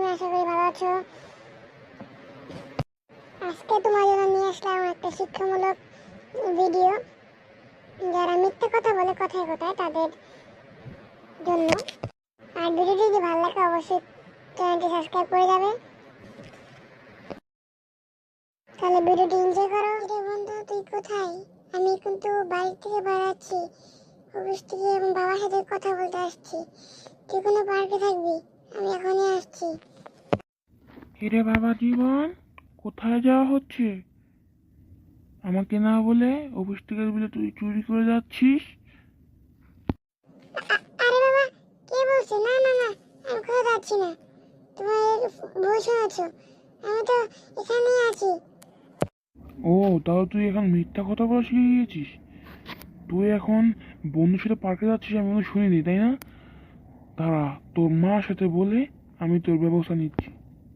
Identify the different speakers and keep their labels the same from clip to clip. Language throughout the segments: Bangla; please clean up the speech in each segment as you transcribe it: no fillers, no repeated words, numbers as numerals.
Speaker 1: আশা করি ভালো আছো। আজকে তোমার জন্য নিয়ে আসলাম একটা শিক্ষামূলক ভিডিও। যারা মিথ্যা কথা বলে কথায় কথায় তাদের জন্য। আর ভিডিওটি যদি ভালো লাগে অবশ্যই চ্যানেলটি সাবস্ক্রাইব করে যাবে। তাহলে ভিডিওটি এনজয় করো। রে বন্ধু, তুই কোথায়? আমি কিন্তু বাড়ি থেকে বেড়াচ্ছি, অফিস থেকে, এবং বাবার সাথে কথা বলতে আসছি। তুই কোনো পার্কে থাকবি, আমি এখনই আসছি।
Speaker 2: কিরে বাবা জীবন, কোথায় যাওয়া হচ্ছে? আমাকে না বলে অফিস থেকে বলে তুই চুরি করে যাচ্ছিস?
Speaker 1: আরে বাবা, কে বলছে? না না না, আমি কোথাও যাচ্ছি না। তোমার ভুল শুনেছো, আমি তো এখানেই আছি।
Speaker 2: ও, তাহলে তুই এখন মিথ্যা কথা বলা শিখে গিয়েছিস। তুই এখন বন্ধুর সাথে পার্কে যাচ্ছিস, আমি কোনো শুনিনি, তাই না? দাঁড়া, তোর মার সাথে বলে আমি তোর ব্যবস্থা নিচ্ছি।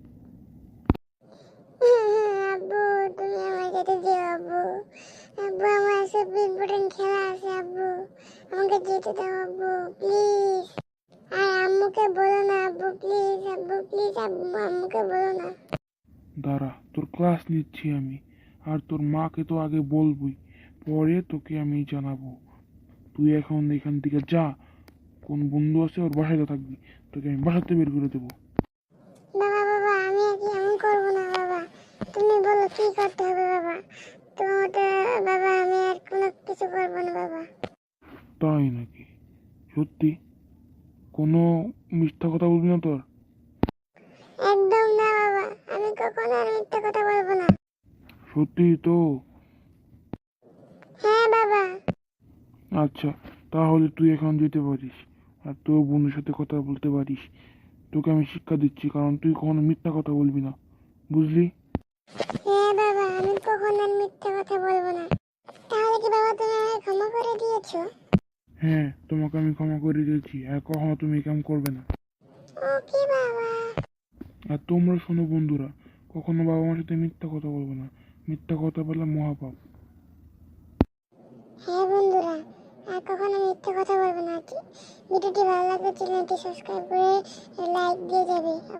Speaker 1: আব্বু, তুমি আমার সাথে যেও আব্বু। আব্বু, আমার সব ইম্পর্টেন্ট খেলা আছে আব্বু, আমাকে যেতে দাও আব্বু প্লিজ। আর আম্মুকে বলো না আব্বু প্লিজ, আব্বু প্লিজ, আব্বু আম্মুকে বলো না।
Speaker 2: দাঁড়া, তোর ক্লাস নিচ্ছি আমি। আর তোর মাকে তো আগে বলবই, পরে তোকে আমি জানাবো। তুই এখন এখান থেকে যা। কোন বন্ধু আছে ওর বাসায় থাকবি, তোকে আমি বাসাতে বের করে দেবো।
Speaker 1: বাবা বাবা, আমি আর কি এমন করবো না বাবা, তুমি বলো কি করতে হবে বাবা। তোমাকে বাবা, আমি আর কোনো কিছু করবো না বাবা।
Speaker 2: তাই নাকি? সত্যি? কোনো মিথ্যা কথা বলবি না তোর?
Speaker 1: একদম না বাবা, আমি কখনো আর মিথ্যা কথা বলবো না।
Speaker 2: সত্যি তো?
Speaker 1: হ্যাঁ বাবা।
Speaker 2: আচ্ছা, তাহলে তুই এখন যেতে পারিস, আর তোর বন্ধুর সাথে কথা বলতে পারিস। তোকে আমি শিক্ষা দিচ্ছি, কারণ তুই কখনো মিথ্যা কথা বলবি না, বুঝলি?
Speaker 1: হ্যাঁ বাবা, আমি কখনো আর মিথ্যা কথা বলবো না। তাহলে কি বাবা তুমি আমাকে ক্ষমা করে দিয়েছো?
Speaker 2: হ্যাঁ, তোমাকে আমি ক্ষমা করে দিয়েছি, আর কখনো তুমি কাম করবে না।
Speaker 1: ওকে বাবা।
Speaker 2: আর তোমরা শোনো বন্ধুরা, কখনো বাবা মার সাথে মিথ্যা কথা বলবে না। মিথ্যা কথা বলা মহাপাপ।
Speaker 1: হ্যাঁ বন্ধুরা, আর কখনো মিথ্যা কথা বলবো না। ভিডিওটি ভালো লাগলে চ্যানেলটি সাবস্ক্রাইব করে লাইক দিয়ে যাবে।